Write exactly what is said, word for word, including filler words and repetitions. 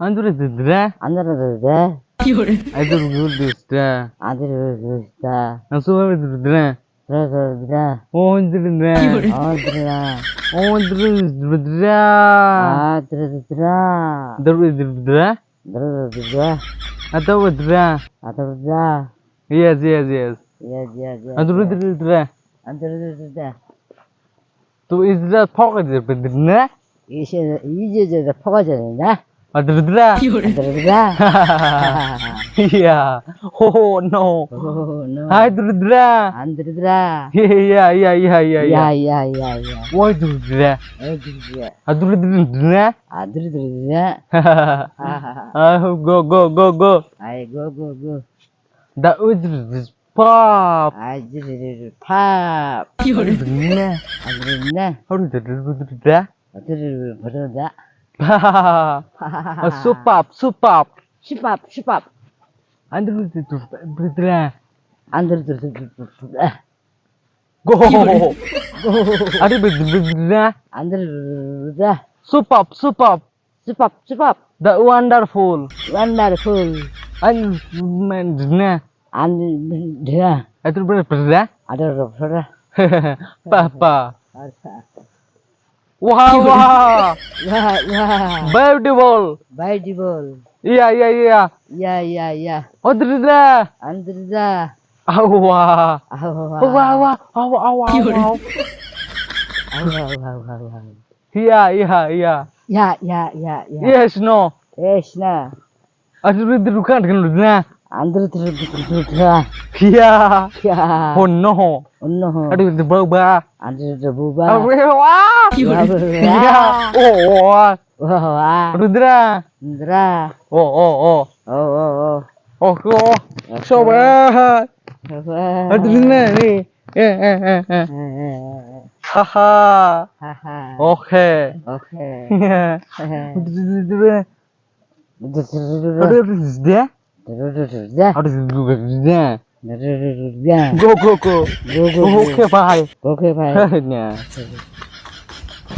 Andure didra. Andare didra. Adur gudistra. Andare didra. Asuwa didra. Didra. Ondra. Andra. Ondra didra. Ah, didra. Dur didra. Didra. Atawa didra. Adra. Yes, yes, yes. Yes, yes, yes. Adur didra. Andare didra. To is the pocket didra. 이제 이제 퍼가잖아. Adur didra. Didra. Yeah. Oh no. Oh no. Adur didra. 안 들으더라. Yeah, yeah, yeah, yeah, yeah. 야야야야. Why didra? 어디야? Adur didra. 안 들으더라. Ah, go, go, go, go. 아이고 고고. That was this pop. 아이들 팝. Didra. 안 들었네. How did didra? 어디를 버려다. Soup up, soup up. 슈밥 슈밥. Adur didra. 안 들으더라. Go. Adur didra. 안 들으더라. Soup up, soup up. 슈밥 슈밥. The wonderful. 원더풀. And man, didra. 안 들으더라. Adur didra. 안 들으더라. Papa. 알았어. Wow, wow. 야, 야. Beautiful. 바이디볼. Yeah, yeah, yeah. 야야야. Adur 안 들으다. Oh, wow. 아우 Oh, wow, wow. Oh, wow, wow, wow. 아우 Yeah, yeah, yeah. 야야야야. Yes, no. 에이씨나. Adur didra. 안 들으더라. Yeah. 야. Oh, no. 언노. Adur didra. 안 들으더 부바. Oh, wow. Yeah. Oh, wow. 와. Rudra. 들아. Oh, oh, oh. 어어어. Oh, oh. So bad. Adur ni. Eh, eh, eh, eh. Haha. 하하. Okay. 오케이. Yeah. 들으더라. Adur didra. 들으더라. Adur didra. 들으더라. Go, go, go. 고고. Okay, bye. 오케이 바이. Yeah.